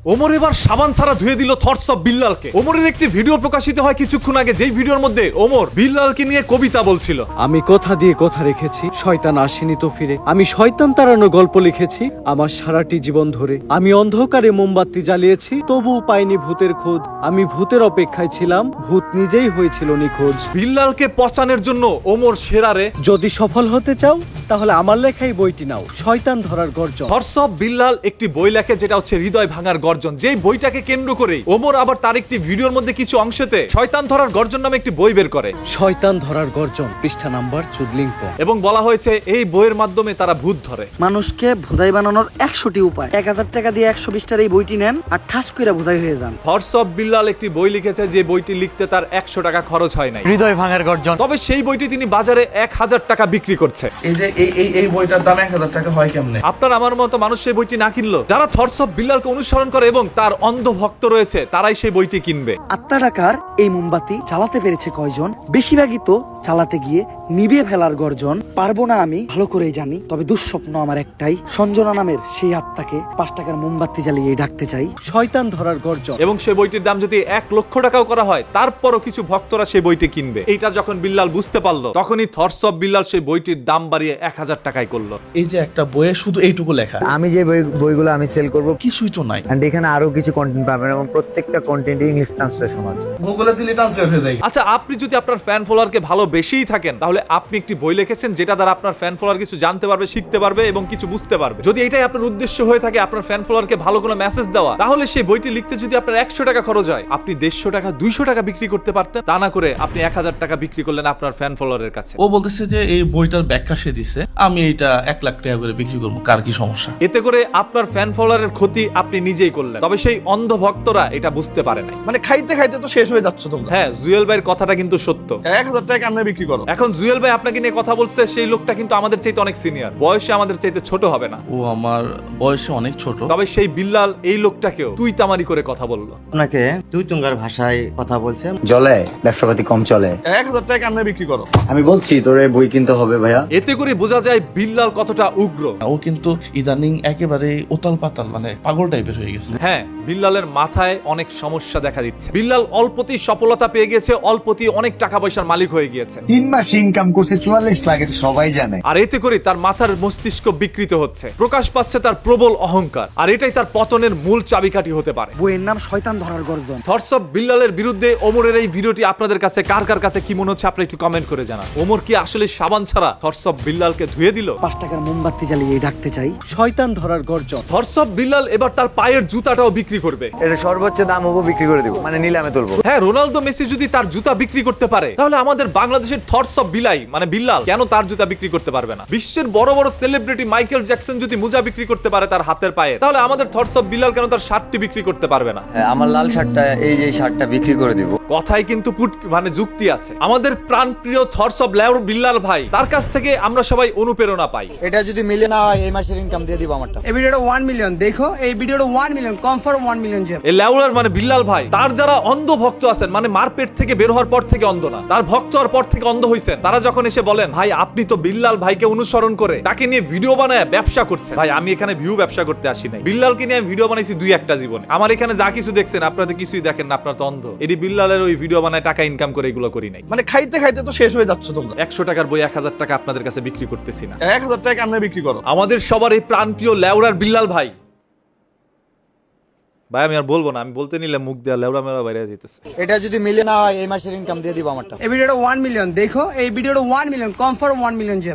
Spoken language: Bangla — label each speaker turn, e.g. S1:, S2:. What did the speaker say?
S1: ওমর এবার সাবান ছাড়া ধুয়ে দিল থটস অফ বিল্লালকে। ওমরের একটি ভিডিও প্রকাশিত হয় কিছুক্ষণ আগে, যেই ভিডিওর মধ্যে ওমর বিল্লালকে নিয়ে কবিতা বলছিল।
S2: আমি কথা দিয়ে কথা রেখেছি, শয়তান আসেনি তো ফিরে। আমি শয়তান তাড়ানো গল্প লিখেছি আমার সারাটি জীবন ধরে। আমি অন্ধকারে মোমবাতি জ্বালিয়েছি, তবুও পাইনি ভূতের খোঁজ। আমি ভূতের অপেক্ষায় ছিলাম, ভূত নিজেই হয়েছিল নিখোঁজ।
S1: বিল্লালকে পচানোর জন্য ওমর সেরারে।
S2: যদি সফল হতে চাও তাহলে আমার লেখাই বইটি নাও, শয়তান ধরার গর্জন।
S1: থটস অফ বিল্লাল একটি বই লেখে যেটা হচ্ছে হৃদয় ভাঙার গর্জন। যেই বইটাকে কেন্দ্র করে ওমর আবার তার একটি ভিডিওর মধ্যে কিছু অংশেতে শয়তান ধরার গর্জন নামে একটি বই বের করে।
S2: শয়তান ধরার গর্জন, পৃষ্ঠা নাম্বার চুদলিংপ।
S1: এবং বলা হয়েছে এই বইয়ের মাধ্যমে তারা ভূত ধরে।
S3: মানুষকে ভোদাই বানানোর 100টি উপায়। 1000 টাকা দিয়ে 120টার এই বইটি নেন আর ঠাস করে ভোদাই হয়ে যান।
S1: থটস অফ বিল্লাল একটি বই লিখেছে যে বইটি লিখতে তার 100 টাকা খরচ হয় নাই।
S4: হৃদয় ভাঙার গর্জন।
S1: তবে সেই বইটি তিনি বাজারে 1000 টাকা বিক্রি করছে।
S5: এই যে এই বইটার দাম 1000 টাকা হয় কেমনে?
S1: আপনার আমার মতো মানুষ সেই বইটি না কিনলো, যারা থটস অফ বিল্লালকে অনুসরণ করে এবং তার অন্ধ ভক্ত রয়েছে তারাই সেই বইটি কিনবে।
S3: আত্মা টাকার এই মোমবাতি চালাতে পেরেছে কয়জন? বেশিরভাগই তো চালাতে গিয়ে নিভিয়ে ফেলার গর্জন। পারবো না আমি ভালো করেই জানি, তবে দুঃস্বপ্ন আমার একটাই, সঞ্জনা নামের সেই আত্মাকে 5 টাকার মোমবাতি জ্বালিয়ে ডাকতে চাই।
S2: শয়তান ধরার গর্জন।
S1: এবং সেই বইটির দাম যদি 1 লক্ষ টাকাও করা হয় তারপরও কিছু ভক্তরা সেই বইটি কিনবে। এইটা যখন বিল্লাল বুঝতে পারলো তখনই থটস অফ বিল্লাল সেই বইটির দাম বাড়িয়ে 1000 টাকায় করলো।
S5: এই যে একটা বইয়ে শুধু এইটুকু লেখা,
S4: আমি যে বইগুলো আমি সেল করব,
S5: কিছুই তো নাই।
S4: এন্ড এখানে আরো কিছু কন্টেন্ট পাবেন এবং প্রত্যেকটা কন্টেন্ট ইংলিশ ট্রান্সলেশন আছে।
S5: গুগলে দিলে ট্রান্সলেট হয়ে যায়।
S1: আচ্ছা, আপনি যদি আপনার ফ্যান ফলোয়ারকে ভালোবেসেই থাকেন তাহলে আপনি একটি বই লিখেছেন যেটা দ্বারা আপনার ফ্যান ফলোয়ার কিছু জানতে পারবে, শিখতে পারবে এবং কিছু বুঝতে পারবে। যদি এটাই আপনার উদ্দেশ্য হয়ে থাকে আপনার ফ্যান ফলোয়ারকে ভালো কোনো মেসেজ দেওয়া, তাহলে সেই বইটি লিখতে যদি আপনার 100 টাকা খরচ হয় আপনি 150 টাকা 200 টাকা বিক্রি করতে পারতেন। তা না করে আপনি 1000 টাকা বিক্রি করলেন আপনার ফ্যান ফলোয়ারের কাছে।
S5: ও বলতেছে যে এই বইটার ব্যাখ্যা সে দিছে, আমি এটা 1 লাখ টাকা করে বিক্রি করবো, কার কি সমস্যা?
S1: এতে করে আপনার ফ্যান ফলোয়ারের ক্ষতি আপনি নিজেই করলেন। তবে সেই অন্ধ ভক্তরা এটা বুঝতে পারে নাই।
S5: মানে খাইতে খাইতে তো শেষ হয়ে যাচ্ছ তোমরা।
S1: হ্যাঁ, জুয়েল ভাইয়ের কথাটা কিন্তু সত্য।
S5: 1000 টাকা আমরা বিক্রি করো।
S1: এখন জুয়েল ভাই আপনাকে নিয়ে কথা বলছে, সেই লোকটা কিন্তু আমাদের চাইতে অনেক সিনিয়র, বয়সে আমাদের চাইতে ছোট হবে না।
S5: ও আমার বয়সে অনেক ছোট।
S1: তবে সেই বিল্লাল এই লোকটাকেও তুই তামারি করে কথা বললো।
S6: আপনাকে তুই তুঙ্গার ভাষায় কথা বলছে, জলে ব্যবসাপাতি কম চলে।
S5: 1000 টাকা আমরা বিক্রি করো।
S6: আমি বলছি তোরে বই কিনতে হবে ভাইয়া।
S1: এতে করে বোঝা যায় বিল্লাল কতটা উগ্র।
S5: ও কিন্তু ইদানিং একেবারে উতাল পাতাল, মানে পাগল টাইপের হয়ে গেছে।
S1: হ্যাঁ, বিল্লালের মাথায় অনেক সমস্যা দেখা দিচ্ছে। বিল্লাল অল্পতেই সফলতা পেয়ে গেছে, অল্পতেই অনেক টাকা পয়সার মালিক হয়ে গিয়েছে।
S7: 3 মাস ইনকাম করছে 44 লাখ, এটা সবাই জানে।
S1: আর এতে করে তার মাথার মস্তিষ্ক বিকৃত হচ্ছে, প্রকাশ পাচ্ছে তার প্রবল অহংকার। আর এটাই তার পতনের মূল চাবিকাঠি হতে পারে।
S3: বইয়ের নাম শয়তান ধরার গর্জন।
S1: থটস অফ বিল্লালের বিরুদ্ধে ওমরের এই ভিডিওটি আপনাদের কাছে কার কার কাছে কি মনে হচ্ছে আপনি একটু কমেন্ট করে জানান। ওমর কি আসলে সাবান ছাড়া থটস অফ বিল্লালকে ধুয়ে দিল?
S3: 5 টাকার মোমবাতি জ্বালিয়ে ডাকতে চাই।
S2: শয়তান ধরার গর্জন।
S1: থটস অফ বিল্লাল এবার তার পায়ের জুতাটাও বিক্রি করবে।
S4: এটা সর্বোচ্চ দাম হবো বিক্রি করে দিব, মানে নিলামে তুলবো।
S1: হ্যাঁ, রোনালদো মেসি যদি তার জুতা বিক্রি করতে পারে তাহলে আমাদের বাংলাদেশের থটস অফ বিলাই মানে বিল্লাল কেন তার জুতা বিক্রি করতে পারবে না? বিশ্বের বড় বড় সেলিব্রিটি মাইকেল জ্যাকসন যদি মোজা বিক্রি করতে পারে তার হাতের পায়ে, তাহলে আমাদের থটস অফ বিল্লাল কেন তার শার্টটি বিক্রি করতে পারবে না?
S6: আমার লাল শার্টটা, এই যে শার্টটা বিক্রি করে দিব।
S1: কথাই কিন্তু মানে যুক্তি আছে। আমাদের প্রাণপ্রিয় থটস অফ বিল্লাল ভাই, তার কাছ থেকে আমরা সবাই অনুপ্রেরণা পাই।
S6: এটা যদি মিলে না হয় এই মাসের ইনকাম দিয়ে দিব আমারটা।
S8: এই ভিডিওটা 1 মিলিয়ন দেখো, এই ভিডিওটা 1 মিলিয়ন কনফার্ম 1 মিলিয়ন যাবে।
S1: এই লেউলার মানে বিল্লাল ভাই, তার যারা অন্ধ ভক্ত আছেন, মানে মারপেট থেকে বের হওয়ার পর থেকে অন্ধ না, তার ভক্ত হওয়ার পর থেকে অন্ধ হইছেন, তারা যখন এসে বলেন ভাই আপনি তো বিল্লাল ভাইকে অনুসরণ করে তাকে নিয়ে ভিডিও বানায় ব্যবসা করছেন। ভাই আমি এখানে ভিউ ব্যবসা করতে আসি নাই, বিল্লালকে নিয়ে আমি ভিডিও বানাইছি 2-1টা জীবনে। আমার এখানে যা কিছু দেখছেন আপনারা তো কিছুই দেখেন না, আপনারা তো অন্ধ। এটি বিল্লালের ওই ভিডিও বানায় টাকা ইনকাম করে এগুলো করি নাই।
S5: মানে খাইতে খাইতে তো শেষ হয়ে যাচ্ছ তোমরা।
S1: 100 টাকার বই 1000 টাকা আপনাদের কাছে বিক্রি করতেছি না।
S5: 1000 টাকা আমরা বিক্রি করো।
S1: আমাদের সবার এই প্রাণপ্রিয় লেউরার বিল্লাল ভাই, ভাই আমি আর বলবো না, আমি বলতে নিলে মুখ দেওয়া লেউরা মেরা বাইরে যেতেছে।
S6: এটা যদি মিলে না হয় এই মাসের ইনকাম দিয়ে দিব আমারটা।
S8: এই ভিডিওটা 1 মিলিয়ন দেখো, এই ভিডিওটা 1 মিলিয়ন কনফার্ম 1 মিলিয়ন যাবে।